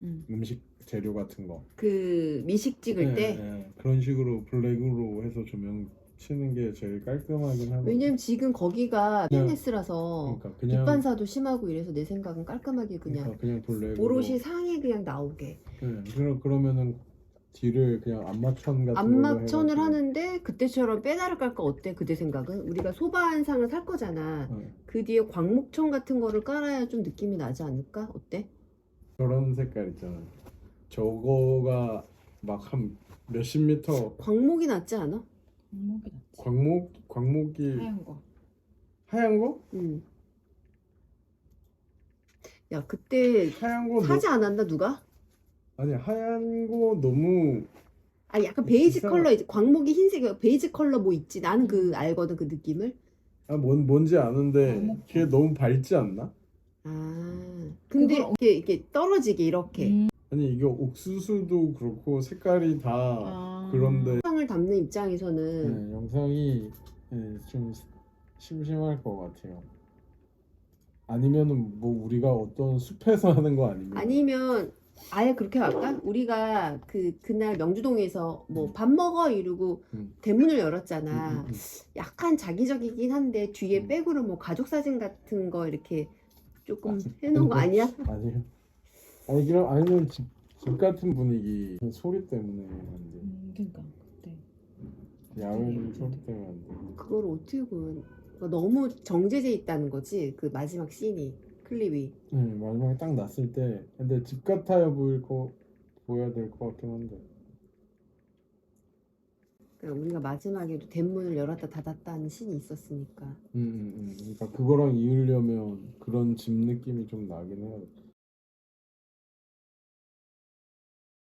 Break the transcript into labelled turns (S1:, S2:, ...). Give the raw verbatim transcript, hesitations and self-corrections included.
S1: 음.
S2: 음식 재료 같은 거.
S3: 그 미식 찍을
S2: 예,
S3: 때.
S2: 예. 그런 식으로 블랙으로 해서 조명 치는 게 제일 깔끔하긴 하거든요.
S3: 왜냐면 지금 거기가
S2: 그냥-
S3: 피트니스라서
S2: 그러니까 그냥
S3: 빛반사도 심하고 이래서 내 생각은 깔끔하게 그냥
S2: 그러니까 그냥 블랙으로.
S3: 오롯이 상에 그냥 나오게.
S2: 예, 그러, 그러면은 뒤를 그냥 안마천 같은
S3: 안마천을
S2: 걸로 해가지고.
S3: 하는데 그때처럼 빼다를 깔까 어때? 그대 생각은? 우리가 소반상을 살 거잖아.
S2: 예,
S3: 그 뒤에 광목천 같은 거를 깔아야 좀 느낌이 나지 않을까? 어때?
S2: 저런 색깔 있잖아. 저거가 막 한 몇십 미터
S3: 광목이 낫지 않아?
S1: 목이 낫지.
S2: 광목 광목이
S1: 하얀 거.
S2: 하얀 거?
S3: 응. 야 그때
S2: 하얀 거
S3: 사지 않았나 누가?
S2: 너, 아니 하얀 거 너무
S3: 아 약간 베이지
S2: 이상하-
S3: 컬러 있지. 광목이 흰색 베이지 컬러 뭐 있지. 나는 그
S1: 음.
S3: 알거든 그 느낌을.
S2: 아 뭔 뭔지 아는데
S1: 광목천.
S2: 그게 너무 밝지 않나?
S3: 아 근데
S1: 그걸
S3: 이게 이게 떨어지게 이렇게
S1: 음.
S2: 아니 이게 옥수수도 그렇고 색깔이 다
S1: 아.
S2: 그런데
S3: 영상을 담는 입장에서는
S2: 네, 영상이 네, 좀 심심할 것 같아요. 아니면은 뭐 우리가 어떤 숲에서 하는 거 아니면
S3: 아니면 아예 그렇게 할까? 우리가 그 그날 명주동에서 뭐 밥 먹어 이러고
S2: 음.
S3: 대문을
S2: 음,
S3: 열었잖아.
S2: 음, 음.
S3: 약간 자기적이긴 한데 뒤에
S2: 음.
S3: 백으로 뭐 가족 사진 같은 거 이렇게 조금
S2: 아,
S3: 해놓은 거
S2: 근데-
S3: 아니야?
S2: 아니요. 아니 그럼 아니면 집, 집 같은 분위기 소리 때문에 안 돼.
S1: 음, 그러니까 그때.
S2: 야외 소리 때문에 안 돼.
S3: 그걸 어떻게 보면 그러니까 너무 정제돼 있다는 거지 그 마지막 씬이 클립이.
S2: 네, 마지막에 딱 났을 때 근데 집 같아야 보일 거 보여야 될 것 같긴 한데.
S3: 그러니까 우리가 마지막에도 대문을 열었다 닫았다 하는 씬이 있었으니까.
S2: 음, 음, 음. 그러니까 그거랑 이으려면 그런 집 느낌이 좀 나긴 해요.